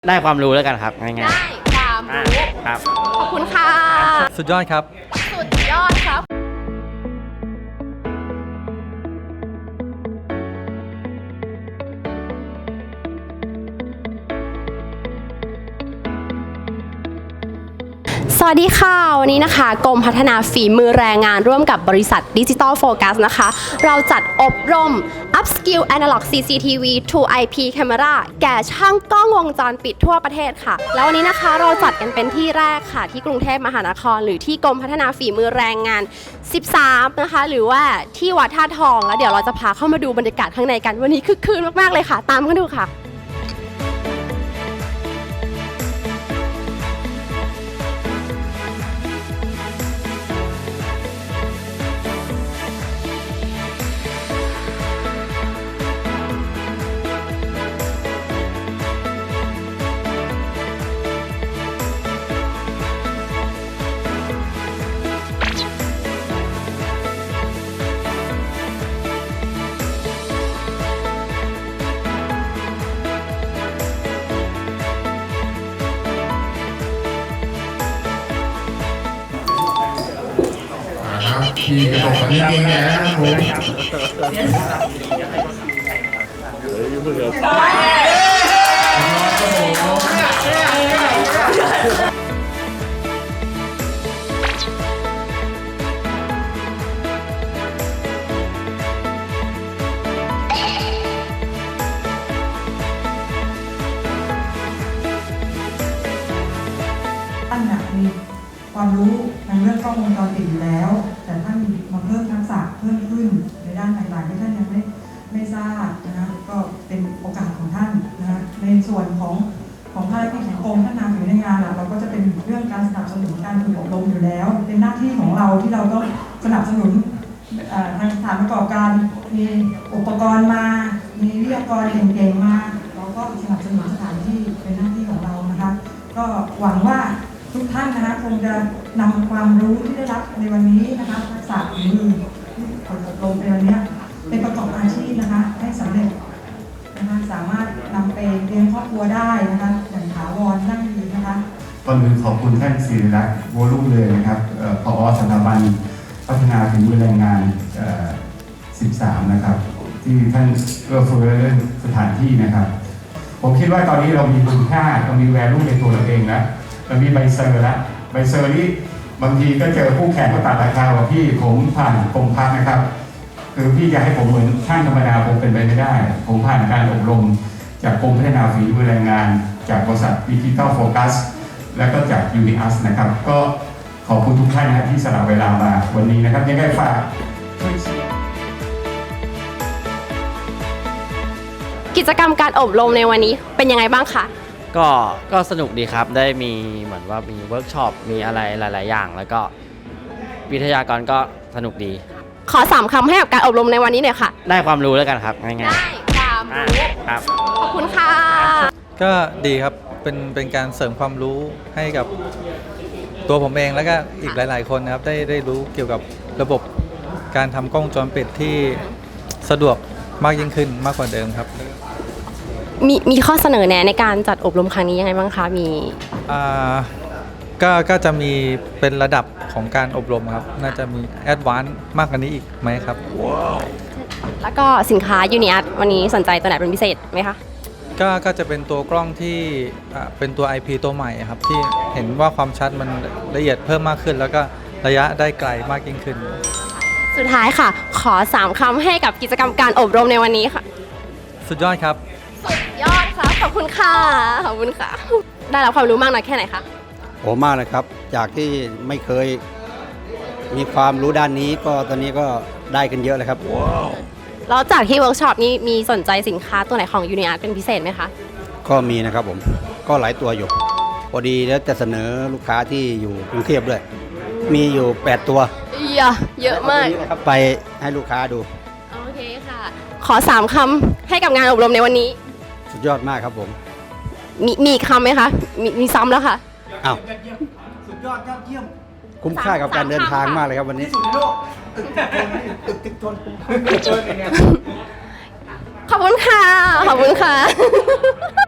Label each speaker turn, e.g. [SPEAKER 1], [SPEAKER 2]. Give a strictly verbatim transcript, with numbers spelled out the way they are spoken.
[SPEAKER 1] ได้ความรู้แล้วกันครับง่ายๆได้
[SPEAKER 2] ความรู้
[SPEAKER 1] ครับ
[SPEAKER 2] ขอบคุณค่ะ
[SPEAKER 3] สุดยอดครับ
[SPEAKER 2] สุดยอดครับสวัสดีค่ะวันนี้นะคะกรมพัฒนาฝีมือแรงงานร่วมกับบริษัท Digital Focus นะคะเราจัดอบรม Upskill Analog ซี ซี ที วี to ไอ พี Camera แก่ช่างกล้องวงจรปิดทั่วประเทศค่ะแล้ววันนี้นะคะเราจัดกันเป็นที่แรกค่ะที่กรุงเทพมหานครหรือที่กรมพัฒนาฝีมือแรงงานสิบสามนะคะหรือว่าที่วัดท่าทองแล้วเดี๋ยวเราจะพาเข้ามาดูบรรยากาศข้างในกันวันนี้คึกคืนมากๆเลยค่ะตามกันดูค่ะ
[SPEAKER 4] ขี่กระจกนี้เองนะครับผม
[SPEAKER 5] ท่านมีความรู้ในเรื่องกล้องวงจรปิดอยู่แล้วแต่ท่านมาเพิ่มทักษะเพิ่มขึ้นในด้านต่างๆที่ท่านยังไม่ไม่ทราบนะคะก็เป็นโอกาสของท่านนะคะในส่วนของของภารกิจของกรมพัฒนาฝีมือแรงงานเราก็จะเป็นเรื่องการสนับสนุนการฝึกอบรมอยู่แล้วเป็นหน้าที่ของเราที่เราต้องสนับสนุนทางสถานประกอบการมีอุปกรณ์มามีวิทยากรเก่งๆมาเราก็สนับสนุนสถานที่เป็นหน้าที่ของเรานะคะก็หวังว่าทุกท่านนะคะคงจะนำความรู้ที่ได้รับในวันนี้นะคะทักษะฝีมือที่ฝึกอบรมในวันนี้เป็นประกอบอาชีพนะคะให้สำเร็จนะคะสามารถนำไปเลี้ยงครอบครัวได้นะคะอย่างถาวรยั่งยืนนะคะ
[SPEAKER 4] ก่อนอื่นขอบคุณท่านศิริรักษ์โวลุ่มเลยนะครับผอ.สถาบันพัฒนาฝีมือแรงงานสิบสามนะครับที่ท่านเอื้อเฟื้อเรื่องสถานที่นะครับผมคิดว่าตอนนี้เรามีคุณค่าเรามีแวลูในตัวเราเองแล้วเรามีใบเซอร์แล้วใบเซอร์นี้บางทีก็เจอผู้แข่งก็ตัดราคาว่าพี่ผมผ่านกรมพัฒน์นะครับคือพี่จะให้ผมเหมือนช่างธรรมดาผมเป็นไปไม่ได้ผมผ่านการอบรมจากกรมพัฒนาฝีมือแรงงานจากบริษัท Digital Focus และก็จาก ยู นิ อัส นะครับก็ขอบคุณทุกท่านนะครับที่สละเวลามาวันนี้นะครับยังไงฝากช่วยเชียร์
[SPEAKER 2] กิจกรรมการอบรมในวันนี้เป็นยังไงบ้างคะ
[SPEAKER 1] ก็ก็สนุกดีครับได้มีเหมือนว่ามีเวิร์กช็อปมีอะไรหลายๆอย่างแล้วก็วิทยากรก็สนุกดี
[SPEAKER 2] ขอสามคำให้กับการอบรมในวันนี้หน่อยค่ะ
[SPEAKER 1] ได้ความรู้แล้วกันครับง่ายๆ
[SPEAKER 2] ได้ความรู้
[SPEAKER 1] ครับ
[SPEAKER 2] ขอบคุณค่ะ
[SPEAKER 3] ก็ดีครับเป็นเป็นการเสริมความรู้ให้กับตัวผมเองแล้วก็อีกหลายๆคนนะครับได้ได้รู้เกี่ยวกับระบบการทำกล้องวงจรปิดที่สะดวกมากยิ่งขึ้นมากกว่าเดิมครับ
[SPEAKER 2] มีมีข้อเสนอแนะในการจัดอบรมครั้งนี้ยังไงบ้างคะมี
[SPEAKER 3] อ่าก็ก็จะมีเป็นระดับของการอบรมครับน่าจะมีแอดวานซ์มากกว่านี้อีกไหมครับว้าว
[SPEAKER 2] แล้วก็สินค้ายูนิอัสวันนี้สนใจตัวไหนเป็นพิเศษไหมคะ
[SPEAKER 3] ก็ก็จะเป็นตัวกล้องที่เป็นตัว ไอ พี ตัวใหม่ครับที่เห็นว่าความชัดมันละเอียดเพิ่มมากขึ้นแล้วก็ระยะได้ไกลมากยิ่งขึ้น
[SPEAKER 2] สุดท้ายค่ะขอสามคำให้กับกิจกรรมการอบรมในวันนี้ค่ะ
[SPEAKER 3] สุดยอดครับ
[SPEAKER 2] สุดยอดครับขอบคุณค่ะขอบคุณค่ะได้รับความรู้มากน้อยแค่ไหนคะ
[SPEAKER 6] โอ้มากเลยครับจากที่ไม่เคยมีความรู้ด้านนี้ก็ตอนนี้ก็ได้กันเยอะเลยครับว้าว
[SPEAKER 2] แล้วจากที่เวิร์กช็อปนี้มีสนใจสินค้าตัวไหนของยูนิอาร์ตเป็นพิเศษไหมคะ
[SPEAKER 6] ก็มีนะครับผมก็หลายตัวอยู่พอดีแล้วจะเสนอลูกค้าที่อยู่กรุงเทพด้วยมีอยู่แปดตัว
[SPEAKER 2] เยอะเยอะมาก
[SPEAKER 6] ไปให้ลูกค้าดู
[SPEAKER 2] โอเคค่ะขอสามคำให้กับงานอบรมในวันนี้
[SPEAKER 6] สุดยอดมากครับผม
[SPEAKER 2] มีมีคำไหมคะมีมีซ้ำแล้วค่ะ
[SPEAKER 6] อ้าวสุดยอดยอดเยี่ยมคุ้มค่ากับการเดินทางมากเลยครับวันนี้ตึกตึกตึกทน
[SPEAKER 2] ขอบคุณค่ะขอบคุณค่ะ